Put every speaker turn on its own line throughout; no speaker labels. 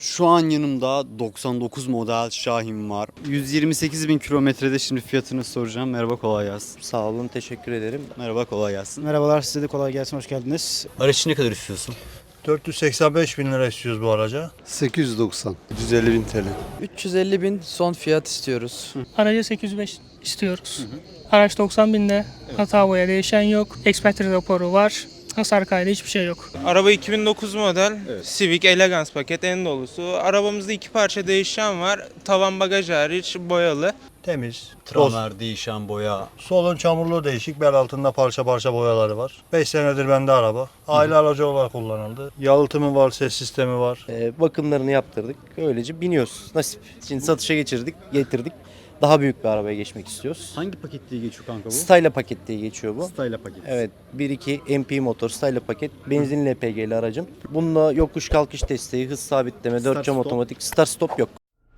Şu an yanımda 99 model Şahin var. 128 bin kilometrede, şimdi fiyatını soracağım. Merhaba, kolay gelsin.
Sağ olun, teşekkür ederim.
Merhaba, kolay gelsin.
Merhabalar, size de kolay gelsin, hoş geldiniz.
Araç ne kadar istiyorsun?
485 bin lira istiyoruz bu araca.
890.
150 bin TL.
350 bin son fiyat istiyoruz.
Aracı 805 istiyoruz. Araç 90 binde. Hata boya değişen yok. Expertise raporu var. Hasar kaydı hiçbir şey yok.
Araba 2009 model,
Evet.
Civic Elegance paket en dolusu. Arabamızda iki parça değişen var. Tavan bagaj hariç boyalı.
Temiz. Toz.
Tramer, değişen boya.
Solun çamurluğu değişik. Bel altında parça parça boyaları var. 5 senedir bende araba. Aile aracı olarak kullanıldı. Yalıtımı var, ses sistemi var.
Bakımlarını yaptırdık. Öylece biniyoruz. Nasip. Şimdi satışa getirdik. Daha büyük bir arabaya geçmek istiyoruz.
Hangi paket diye geçiyor kanka bu?
Styla paket diye geçiyor bu.
Styla paket.
Evet, 1.2 MP motor Styla paket. Benzinli LPG'li aracım. Bununla yokuş kalkış desteği, hız sabitleme,
Start
4 cam
stop.
otomatik, start stop yok.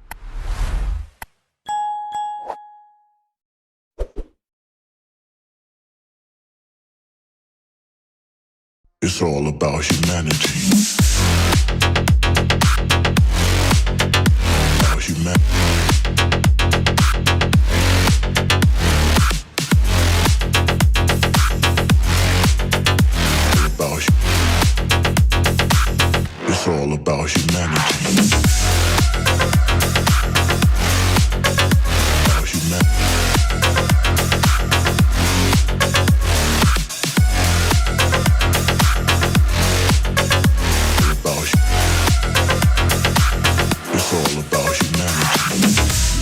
It's all about humanity. About humanity. It's all about humanity. About humanity. It's all about humanity.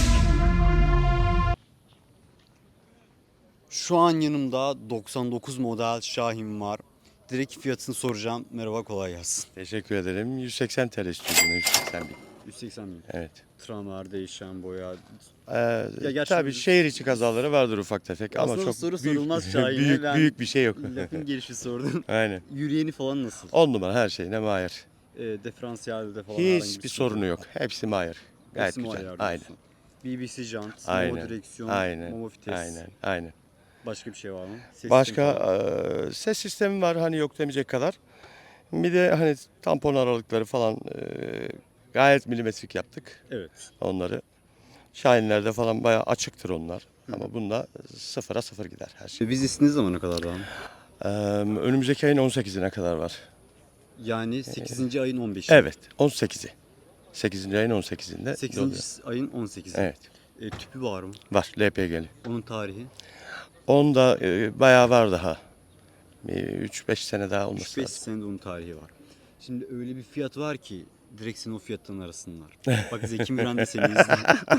Şu an yanımda 99 model Şahin var. Direkt fiyatını soracağım. Merhaba, kolay gelsin.
Teşekkür ederim. 180 TL istiyorsun. 180 bin.
180 bin.
Evet.
Tramer, değişen boya.
Tabii
gerçi-
şehir içi kazaları vardır ufak tefek ama
Aslında
çok
soru
büyük,
sorulmaz Şahin'e.
büyük,
Ben
büyük bir şey yok.
Lafın gelişi sordum.
Aynen.
Yürüyeni falan nasıl?
10 numara her şey ne mayır.
Diferansiyelde falan herhangi bir
Hiçbir
sıkıntı
sorunu yok. Hepsi mayır. Gayet
Hepsi mi
güzel.
ayar
Aynen.
diyorsun? BBC jant,
Aynen.
Momo direksiyon,
Aynen.
Momo vites.
Aynen.
Başka bir şey var mı? Ses
Başka
sistemi falan.
ses sistemi var hani yok demeyecek kadar. Bir de hani tampon aralıkları falan gayet milimetrik yaptık
Evet.
onları. Şahinlerde falan bayağı açıktır onlar. Ama bunda sıfıra sıfır gider her şey.
Vizesi ne zamana kadar daha?
Önümüzdeki ayın 18'ine kadar var.
Yani 8. ayın 15'i.
Evet, 18'i. 8. ayın 18'inde.
8. ayın 18'i.
Evet,
Tüpü var mı?
var LPG'li.
Onun tarihi.
Onda bayağı var daha. 3-5 sene daha olması
3-5
lazım.
senede onun tarihi var. Şimdi öyle bir fiyat var ki direkt seni o fiyattan arasınlar. Bak Zeki Müren de seni izliyor.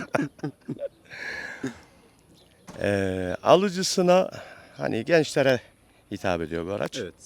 Alıcısına hani gençlere hitap ediyor bu araç.
Evet.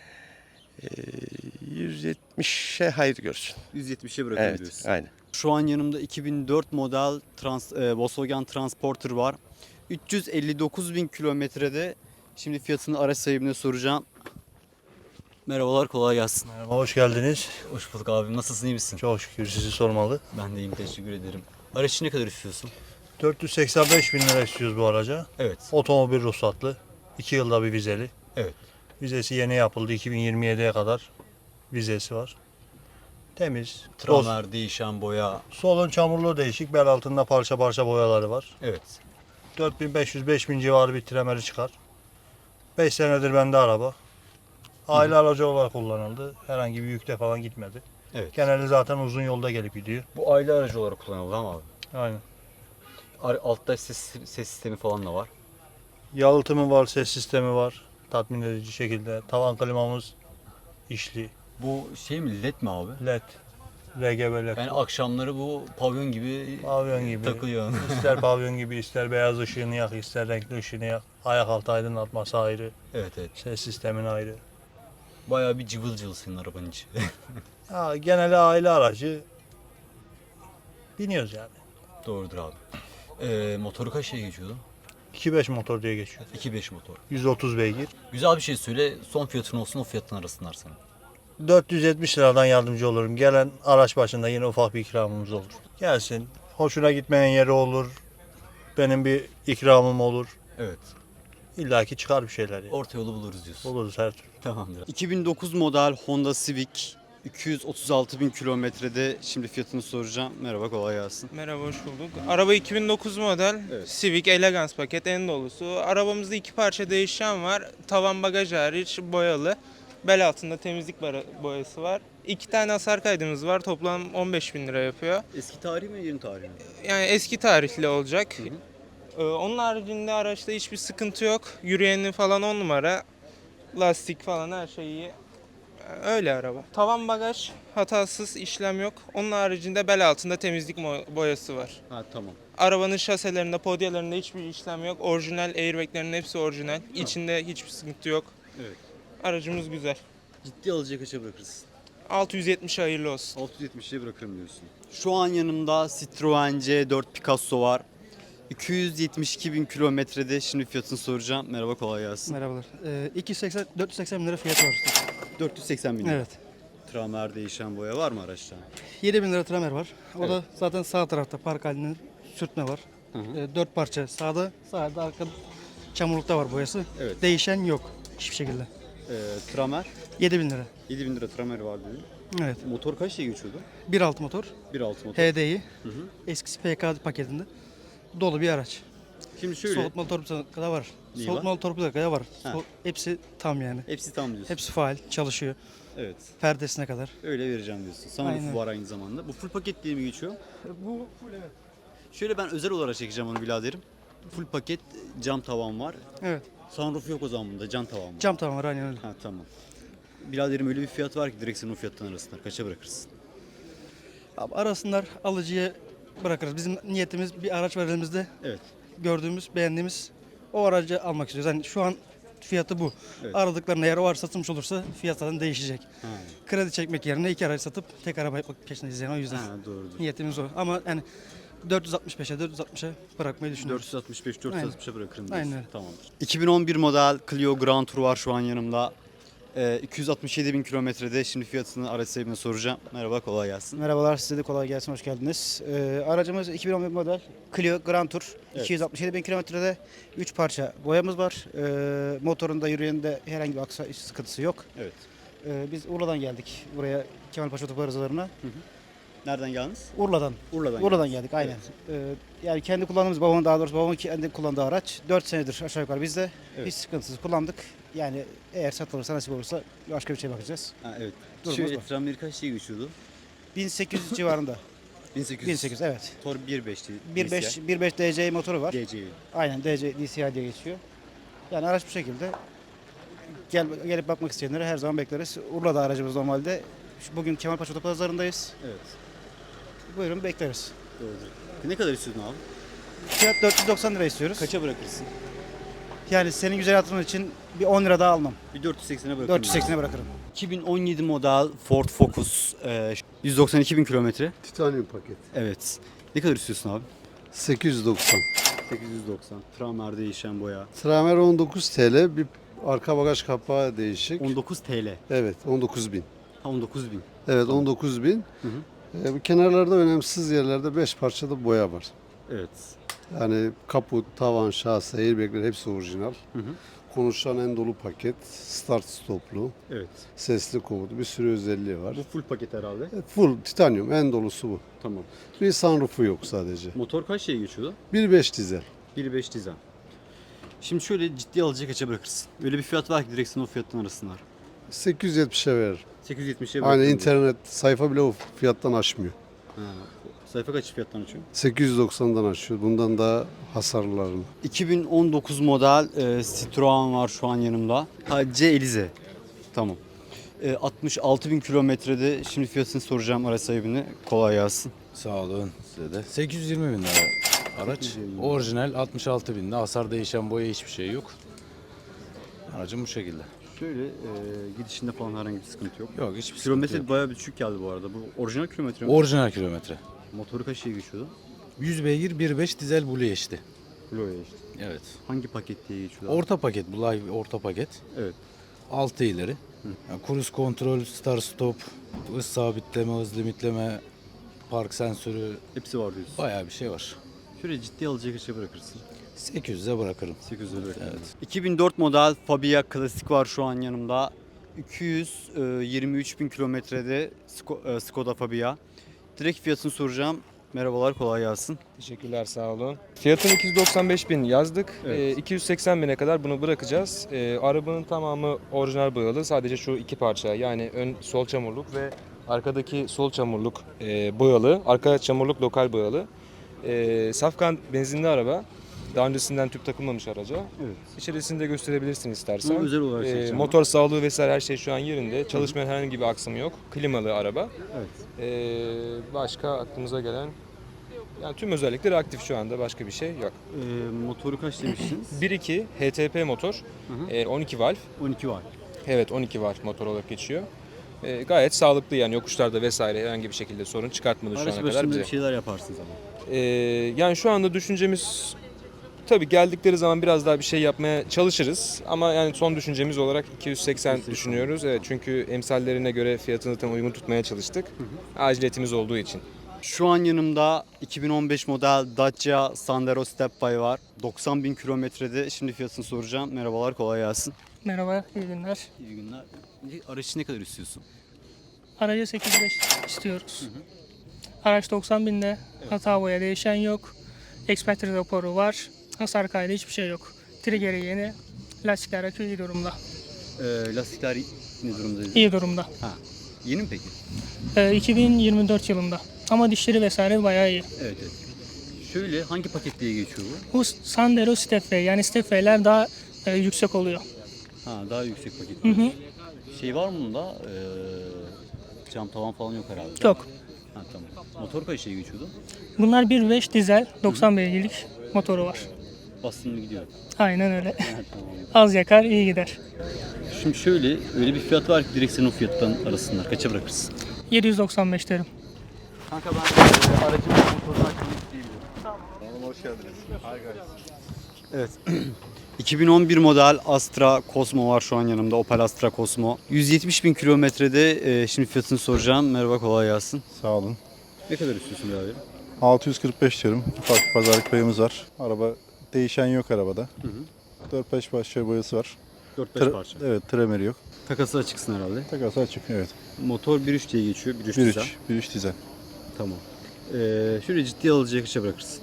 170'e hayır görsün.
170'e bırakın
Evet,
diyorsun.
aynen.
Şu an yanımda 2004 model Volkswagen Transporter var. 359 bin kilometrede. Şimdi fiyatını araç sahibine soracağım. Merhabalar, kolay gelsin.
Merhaba, hoş geldiniz.
Hoş bulduk abim. Nasılsın, iyi misin?
Çok şükür sizi sormalı.
Ben de iyiyim, teşekkür ederim. Araç ne kadar istiyorsun?
485 bin lira istiyoruz bu araca.
Evet.
Otomobil ruhsatlı. 2 yılda bir vizeli.
Evet.
Vizesi yeni yapıldı. 2027'ye kadar vizesi var. Temiz. Toz.
Tramer, değişen boya.
Solun çamurluğu değişik. Bel altında parça parça boyaları var.
Evet.
4500-5000 civarı bir tremeri çıkar. 5 senedir bende araba. Aile aracı olarak kullanıldı. Herhangi bir yükte falan gitmedi.
Evet.
Genelde zaten uzun yolda gelip gidiyor.
Bu aile aracı olarak kullanıldı ama abi.
Aynen.
Altta ses sistemi falan da var.
Yalıtımı var, ses sistemi var. Tatmin edici şekilde. Tavan klimamız işli.
Bu şey mi, led mi abi?
LED, RGB LED.
Yani akşamları bu pavyon gibi
Pavyon gibi.
takılıyor.
İster pavyon gibi, ister beyaz ışığını yak, ister renkli ışığını yak. Ayak altı aydınlatması ayrı.
Evet evet.
Ses sistemin ayrı.
Bayağı bir cıvıl cıvıl senin arabanın içi.
Ya, genelde aile aracı biniyoruz yani.
Doğrudur abi. Motoru kaç şeye geçiyordu?
2.5 motor diye geçiyor.
2.5 motor.
130 beygir.
Güzel bir şey söyle. Son fiyatın olsun, o fiyatın arasınlar sana.
470 liradan yardımcı olurum. Gelen araç başında yine ufak bir ikramımız olur. Gelsin. Hoşuna gitmeyen yeri olur. Benim bir ikramım olur.
Evet.
İlla ki çıkar bir şeyler. Yani.
Orta yolu buluruz diyorsun.
Buluruz her türlü.
Tamamdır. 2009 model Honda Civic 236 bin kilometrede. Şimdi fiyatını soracağım. Merhaba, kolay gelsin.
Merhaba, hoş bulduk. Araba 2009 model.
Evet.
Civic Elegance paket en dolusu. Arabamızda iki parça değişen var. Tavan bagaj hariç boyalı. Bel altında temizlik boyası var. 2 tane hasar kaydımız var. Toplam 15 bin lira yapıyor.
Eski tarih mi, yeni tarih mi?
Yani eski tarihli olacak. Onun haricinde araçta hiçbir sıkıntı yok. Yürüyeni falan 10 numara. Lastik falan her şey iyi. Öyle araba. Tavan bagaj hatasız, işlem yok. Onun haricinde bel altında temizlik boyası var.
Ha, tamam.
Arabanın şaselerinde, podyalarında hiçbir işlem yok. Orijinal, airbaglerin hepsi orijinal. İçinde hiçbir sıkıntı yok.
Evet.
Aracımız güzel.
Ciddi alıcıya kaça bırakırız?
670 hayırlı olsun.
670'e bırakırım diyorsun. Şu an yanımda Citroen C4 Picasso var. 272 bin kilometrede. Şimdi fiyatını soracağım. Merhaba, kolay gelsin.
Merhabalar. 480 bin lira fiyatı var.
480 bin lira.
Evet.
Tramer, değişen boya var mı araçta?
7 bin lira tramer var. O da zaten sağ tarafta park halinde sürtme var. 4 parça sağda arkada çamurlukta var boyası.
Evet.
Değişen yok hiçbir şekilde.
Tramer
7 bin lira.
7 bin lira tramer var dedin.
Evet.
Motor kaç şey geçiyordu?
1.6 motor.
1.6 motor.
HDI. Eskisi PK paketinde. Dolu bir araç.
Şimdi şöyle.
Soğutmalı torpido da var.
Neyi
Soğutmalı torpido da var.
Ha.
Hepsi tam yani.
Hepsi tam diyorsun.
Hepsi faal, çalışıyor.
Evet.
Perdesine kadar.
Öyle vereceğim diyorsun.
Aynen.
Sunroof var aynı zamanda. Bu full paket diye mi geçiyor?
Bu full evet.
Şöyle ben özel olarak çekeceğim onu biraderim. Full paket cam tavan var.
Evet.
Sunroof yok o zaman bunda. Cam tavan var.
Cam tavan var aynen öyle.
Ha, tamam. Biraderim öyle bir fiyat var ki direkt senin o fiyattan arasında. Kaça bırakırsın?
Abi arasınlar, alıcıya bırakırız. Bizim niyetimiz bir araç var elimizde.
Evet.
Gördüğümüz, beğendiğimiz o aracı almak istiyoruz. Yani şu an fiyatı bu.
Evet.
Aradıklarında eğer o araç satılmış olursa fiyat zaten değişecek.
Ha.
Kredi çekmek yerine 2 araç satıp tek araba yapmak peşindeyiz yani o yüzden.
Ha, doğrudur.
Niyetimiz o. Ama yani 460'a bırakmayı düşünüyoruz.
465-460'a bırakırım diyorsun.
Aynen öyle.
Tamamdır. 2011 model Clio Grand Tour var şu an yanımda. 267 bin kilometrede. Şimdi fiyatını araç sahibine soracağım. Merhaba, kolay gelsin.
Merhabalar, size de kolay gelsin, hoş geldiniz. Aracımız 2011 model Clio Grand Tour.
Evet.
267 bin kilometrede 3 parça boyamız var. Motorunda, yürüyeninde herhangi bir sıkıntısı yok.
Evet.
Biz Urla'dan geldik buraya Kemalpaşa Otopark Arızalarına.
Nereden geldiniz?
Urla'dan.
Urla'dan.
Geldik aynen. Yani kendi kullandığımız, babamın kendi kullandığı araç 4 senedir aşağı yukarı bizde.
Evet.
Hiç sıkıntısız kullandık. Yani eğer satılırsa, nasip olursa başka bir şey bakacağız.
Ha, evet.
Durumumuz
Şöyle
bu.
Tramer kaç şey geçiyordu?
1800 civarında.
1800.
1800 evet.
Motor 1.5'ti.
1.5 DCI motoru var.
DCI.
Aynen DCI diye geçiyor. Yani araç bu şekilde. Gelip bakmak isteyenleri her zaman bekleriz. Urla'da aracımız normalde. Bugün Kemalpaşa Otopazarı'ndayız.
Evet.
Buyurun bekleriz.
Doğrudur. Ne kadar istiyorsun abi?
Fiyat 490 lira istiyoruz.
Kaça bırakırsın?
Yani senin güzel hatırın için bir 10 lira daha almam.
Bir 480'e bırakırım.
480'e bırakırım.
2017 model Ford Focus. 192 bin kilometre.
Titanium paket.
Evet. Ne kadar istiyorsun abi?
890.
890. Tramer değişen boya.
Tramer 19 TL. Bir arka bagaj kapağı değişik.
19 TL.
Evet 19 bin.
Ha, 19 bin.
Evet 19 bin.
Hı
Bu kenarlarda önemsiz yerlerde 5 parçada boya var.
Evet.
Yani kaput, tavan, şase, airbagler hepsi orijinal.
Hı hı.
Konuşan en dolu paket. Start stoplu.
Evet.
Sesli komutu. Bir sürü özelliği var.
Bu full paket herhalde.
Evet, full titanium en dolusu bu.
Tamam.
Bir sunroofu yok sadece.
Motor kaç şey geçiyordu?
1.5 dizel.
1.5 dizel. Şimdi şöyle ciddi alıcıya kaça bırakırsın? Öyle bir fiyat var ki direkt senin o fiyattan arasınlar.
870'e verir.
870'e bırakırım.
Hani
diyorsun.
internet sayfa bile o fiyattan aşmıyor.
Ha. Sayfa kaç fiyattan açıyor?
890'dan açıyor. Bundan daha hasarlarını.
2019 model Citroen var şu an yanımda. C Elize. Tamam. 66 bin kilometrede. Şimdi fiyatını soracağım araç sahibine. Kolay gelsin.
Sağ olun size de. 820 bin lira araç.
820 bin.
Orijinal 66 binde. Hasar değişen boya hiçbir şey yok. Aracım bu şekilde.
Şöyle gidişinde falan herhangi bir sıkıntı yok.
Yok hiçbir sıkıntı
Kilometre
yok.
bayağı bir düşük geldi bu arada. Bu orijinal kilometre mi?
Orijinal kilometre.
Motoru kaç şey geçiyordu?
100 beygir 1.5 dizel Blue HD.
Bloya işte.
Evet.
Hangi paket diye geçiyordu?
Orta paket. Bu live orta paket.
Evet.
6 ileri. Yani cruise kontrol, start stop, hız sabitleme, hız limitleme, park sensörü,
Hepsi var diyorsun.
bayağı bir şey var.
Şöyle ciddi alıcıya kaça bırakırsın?
800'e bırakırım.
800 lira.
Evet.
2004 model Fabia Klasik var şu an yanımda. 223 bin kilometrede Skoda Fabia. Direkt fiyatını soracağım. Merhabalar, kolay gelsin.
Teşekkürler, sağ olun. Fiyatını 295 bin yazdık.
Evet.
280 bine kadar bunu bırakacağız. Arabanın tamamı orijinal boyalı. Sadece şu iki parça, yani ön sol çamurluk ve arkadaki sol çamurluk boyalı. Arka çamurluk lokal boyalı. Safkan benzinli araba. Daha öncesinden tüp takılmamış araca.
Evet.
İçerisinde gösterebilirsin istersen.
Bunu özel olarak seçeceğim.
Motor sağlığı vesaire her şey şu an yerinde. Çalışmayan herhangi bir aksamı yok. Klimalı araba.
Evet.
Başka aklımıza gelen, yani tüm özellikleri aktif şu anda, başka bir şey yok.
Motoru kaç demiştiniz?
1.2 HTP motor,
Hı hı.
12 valve.
12 var.
Evet, 12 valve motor olarak geçiyor. Gayet sağlıklı, yani yokuşlarda vesaire herhangi bir şekilde sorun çıkartmadı şu
Araç
ana kadar
başında
bize.
bir şeyler yaparsınız ama.
Yani şu anda düşüncemiz, tabii geldikleri zaman biraz daha bir şey yapmaya çalışırız ama yani son düşüncemiz olarak 280 düşünüyoruz. Evet, çünkü emsallerine göre fiyatını tam uygun tutmaya çalıştık. Aciliyetimiz olduğu için.
Şu an yanımda 2015 model Dacia Sandero Stepway var. 90 bin kilometrede. Şimdi fiyatını soracağım. Merhabalar, kolay gelsin.
Merhaba, iyi günler.
İyi günler. Aracı ne kadar istiyorsun?
Aracı 8.5 istiyoruz. Araç 90 binde, hata boya değişen yok. Ekspertiz raporu var. Hasar kaydı hiçbir şey yok. Trigger'i yeni. Lastikler akü iyi durumda.
Lastikler ne durumda?
İyi durumda.
Ha. Yeni mi peki?
2024 yılında. Ama dişleri vesaire bayağı iyi.
Evet, evet. Şöyle, hangi paket diye geçiyor bu?
Bu Sandero Stepway, yani Stepway'ler daha yüksek oluyor.
Ha, daha yüksek paket.
Hı hı.
Şey var mı bunda? Cam tavan falan yok herhalde.
Yok.
Ha, tamam. Motor kaç şey geçiyordu?
Bunlar 1.5 dizel, 90 beygirlik motoru var.
Bastın mı gidiyor.
Aynen öyle.
Ha, tamam.
Az yakar, iyi gider.
Şimdi şöyle, öyle bir fiyat var ki direkt senin o fiyattan arasınlar. Kaça bırakırsın?
795 derim.
Kanka ben aracımın motorunu açmak isteyebilirim. Tamam. Hoş geldiniz. Evet. 2011 model Astra Cosmo var şu an yanımda. Opel Astra Cosmo. 170 bin kilometrede. Şimdi fiyatını soracağım. Merhaba, kolay gelsin.
Sağ olun.
Ne kadar istiyorsun birader?
645 diyorum. Ufak bir pazarlık payımız var. Araba değişen yok arabada. 4-5 parça boyası var.
4-5 parça.
Evet, tremeri yok.
Takası açıksın herhalde.
Takası açık, evet.
Motor 1.3 diye geçiyor. 1.3 dizel.
1.3 dizel.
Tamam. Şöyle ciddi alıcıya kaça bırakırsın?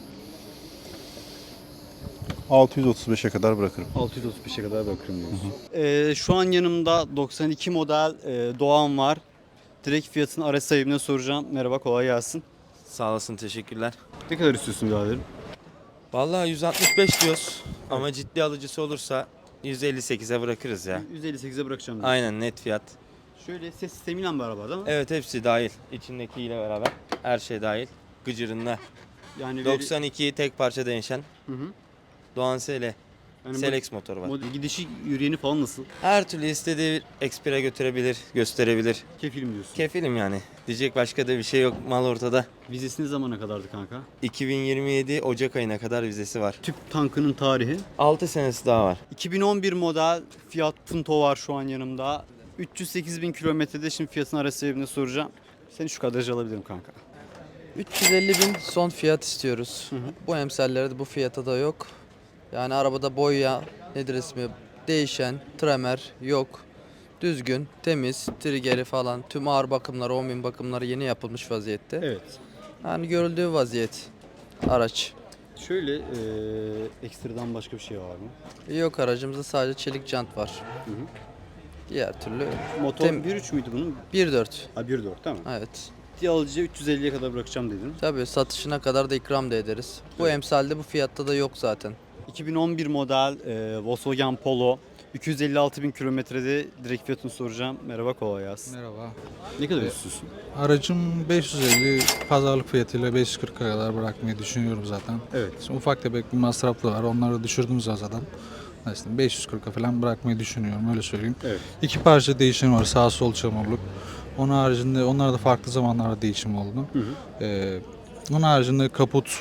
635'e kadar bırakırım.
635'e kadar bırakırım diyorsun. Şu an yanımda 92 model Doğan var. Direkt fiyatını araç sahibine soracağım. Merhaba, kolay gelsin.
Sağ olasın, teşekkürler.
Ne kadar istiyorsun biraderim?
Vallahi 165 diyoruz ama ciddi alıcısı olursa 158'e bırakırız ya.
158'e bırakacağım diyorsun.
Aynen, net fiyat.
Şöyle ses sistemiyle mi beraber değil mi?
Evet, hepsi dahil. İçindekiyle beraber her şey dahil. Gıcırında.
Yani
92 tek parça değişen.
Hı hı.
Doğan SL.
Yani
Selex motoru var.
Gidişi, yürüyeni falan nasıl?
Her türlü istediği ekspire götürebilir, gösterebilir.
Kefilim diyorsun.
Kefilim yani. Diyecek başka da bir şey yok, mal ortada.
Vizesi ne zamana kadardı kanka?
2027 Ocak ayına kadar vizesi var.
Tüp tankının tarihi.
6 senesi daha var.
2011 model Fiat Punto var şu an yanımda. 308 bin kilometrede. Şimdi fiyatını araç sahibine soracağım. Seni şu kadrajı alabilirim kanka.
350 bin son fiyat istiyoruz. Bu emsallerde bu fiyata da yok. Yani arabada boya, nedir ismi, değişen, tremer yok. Düzgün, temiz, triggeri falan, tüm ağır bakımları, 10 bin bakımları yeni yapılmış vaziyette.
Evet.
Yani görüldüğü vaziyet araç.
Şöyle ekstradan başka bir şey var mı?
Yok, aracımızda sadece çelik jant var. Diğer türlü
Motor 1.3 müydü bunun?
1.4.
Ha 1.4 değil mi?
Evet.
Ciddi alıcıya 350'ye kadar bırakacağım dedin.
Tabii satışına kadar da ikram da ederiz. Bu emsalde bu fiyatta da yok zaten.
2011 model Volkswagen Polo. 256 bin kilometrede. Direkt fiyatını soracağım. Merhaba, kolay gelsin.
Merhaba.
Ne kadar istiyorsun?
Aracım 550, pazarlık fiyatıyla 540'a kadar bırakmayı düşünüyorum zaten.
Evet.
Şimdi ufak tefek bir masraflı var. Onları düşürdüm zaten. Aslında 540'a falan bırakmayı düşünüyorum, öyle söyleyeyim.
Evet.
İki parça değişim var, sağ sol çamurluk. Onun haricinde onlar da farklı zamanlarda değişim oldu. Onun haricinde kaput,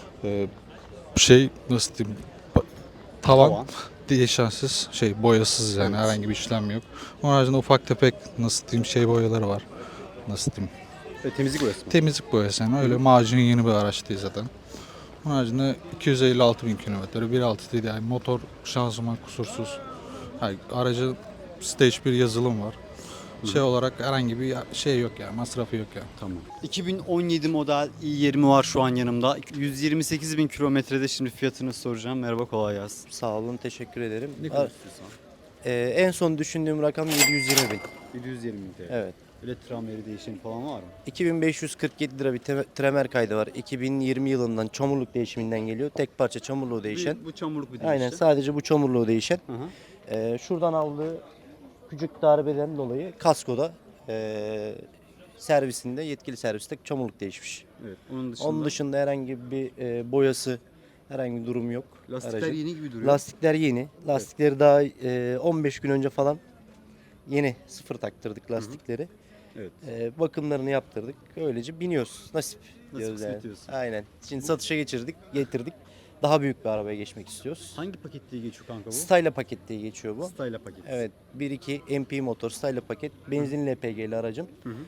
nasıl diyeyim, tavan. Değişensiz, boyasız, yani herhangi bir işlem yok. Onun haricinde ufak tefek boyaları var. Nasıl diyeyim?
Temizlik boyası mı?
Temizlik boyası, yani öyle macun yeni bir araç değil zaten. Onun haricinde 256 bin kilometre, 1.6 değil, yani motor, şanzıman kusursuz. Yani aracı Stage 1 yazılım var. Şey olarak herhangi bir şey yok yani, masrafı yok yani.
Tamam. 2017 model i20 var şu an yanımda. 128 bin kilometrede, şimdi fiyatını soracağım. Merhaba, kolay gelsin.
Sağ olun, teşekkür ederim.
Ne kadar istiyorsan?
En son düşündüğüm rakam 720 bin.
720 bin TL.
Evet.
Öyle tramveri değişimi falan var mı?
2547 lira bir tremer kaydı var. 2020 yılından çamurluk değişiminden geliyor. Tek parça çamurluğu değişen.
Bu çamurluk bir değişti.
Aynen, sadece bu çamurluğu değişen.
Hı hı.
Şuradan aldığı küçük darbeden dolayı kaskoda servisinde, yetkili serviste çamurluk değişmiş.
Evet. Onun dışında,
Onun dışında herhangi bir boyası, herhangi bir durum yok.
lastikler
aracın.
yeni gibi duruyor.
Lastikler yeni. Lastikleri daha 15 gün önce falan yeni sıfır taktırdık lastikleri.
Evet.
Bakımlarını yaptırdık. Öylece biniyoruz. Nasip diyoruz
kısmet
yani.
diyorsun.
Aynen. Şimdi satışa getirdik. Daha büyük bir arabaya geçmek istiyoruz.
Hangi paket diye geçiyor kanka bu?
Styla paket diye geçiyor bu.
Styla paket.
Evet. 1.2 MP motor Styla paket. Benzinli LPG'li aracım.
Hı hı.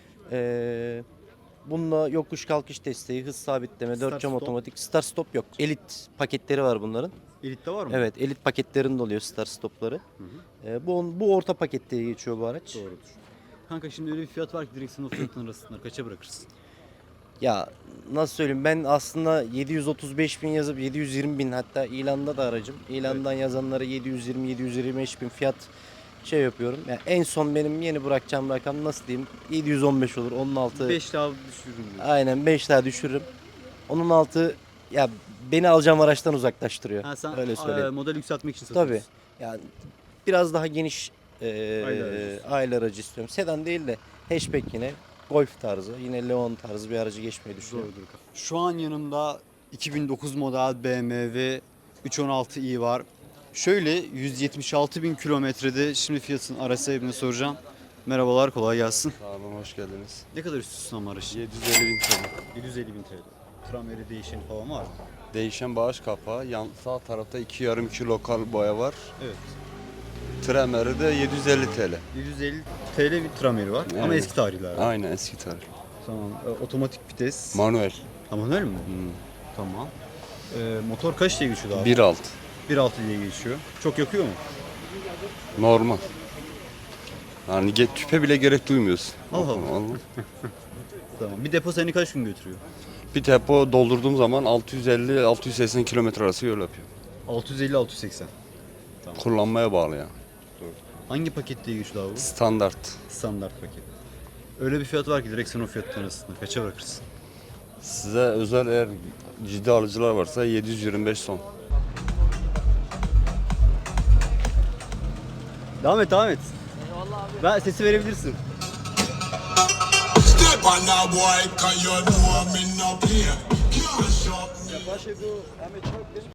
Bununla yokuş kalkış desteği, hız sabitleme,
Start
4 cam
stop.
otomatik. Start stop yok. Elit paketleri var bunların.
Elit'te var mı?
Evet, elit paketlerinde oluyor start stopları.
Hı hı.
Bu orta paket diye geçiyor bu araç.
Doğrudur. Kanka şimdi öyle bir fiyat var ki direksiyon o fiyatın arasında kaça bırakırsın?
Ya nasıl söyleyeyim, ben aslında 735 bin yazıp 720 bin, hatta ilanda da aracım. İlandan yazanlara 720-725 bin fiyat şey yapıyorum. Yani en son benim yeni bırakacağım rakam nasıl diyeyim, 715 olur, onun altı.
5 daha düşürürüm diyor.
Aynen, 5 daha düşürürüm. Onun altı ya beni alacağım araçtan uzaklaştırıyor.
Ha, sen
Öyle söyleyeyim.
model yükseltmek için satıyorsun.
Tabii. Yani biraz daha geniş
aracı.
aile aracı istiyorum. Sedan değil de hatchback, yine Golf tarzı, yine Leon tarzı bir aracı geçmeyi düşünüyorum.
Doğrudur. Şu an yanımda 2009 model BMW 316i var. Şöyle 176 bin kilometrede, şimdi fiyatın araç sahibine soracağım. Merhabalar, kolay gelsin.
Sağ olun, hoş geldiniz.
Ne kadar istiyorsun ama aracı?
750 bin TL.
750 bin TL. Tramveri değişeni falan var mı?
Değişen bağış kapağı, yan sağ tarafta 2,5 lokal boya var.
Evet.
Tremeri de 750 TL.
750 TL bir trameri var ama
Yani.
eski tarihler.
Aynen, eski tarih.
Tamam. Otomatik vites.
Manuel.
Ha, manuel mi?
Hmm.
Tamam. Motor kaç diye geçiyordu abi?
1.6.
1.6 diye geçiyor. Çok yakıyor mu?
Normal. Yani tüpe bile gerek duymuyorsun.
Allah Allah. Tamam. Bir depo seni kaç gün götürüyor?
Bir depo doldurduğum zaman 650-680 kilometre arası yol yapıyor.
650-680. Tamam.
Kullanmaya bağlı yani.
Hangi paket diye geçiyor abi bu?
Standart.
Standart paket. Öyle bir fiyat var ki direksiyon o fiyatın arasında. Kaça bırakırsın?
Size özel, eğer ciddi alıcılar varsa 725 son.
Devam et. Eyvallah abi. Ben sesi verebilirsin.
Step on that boy, 'cause you know me no play. Can't shop me.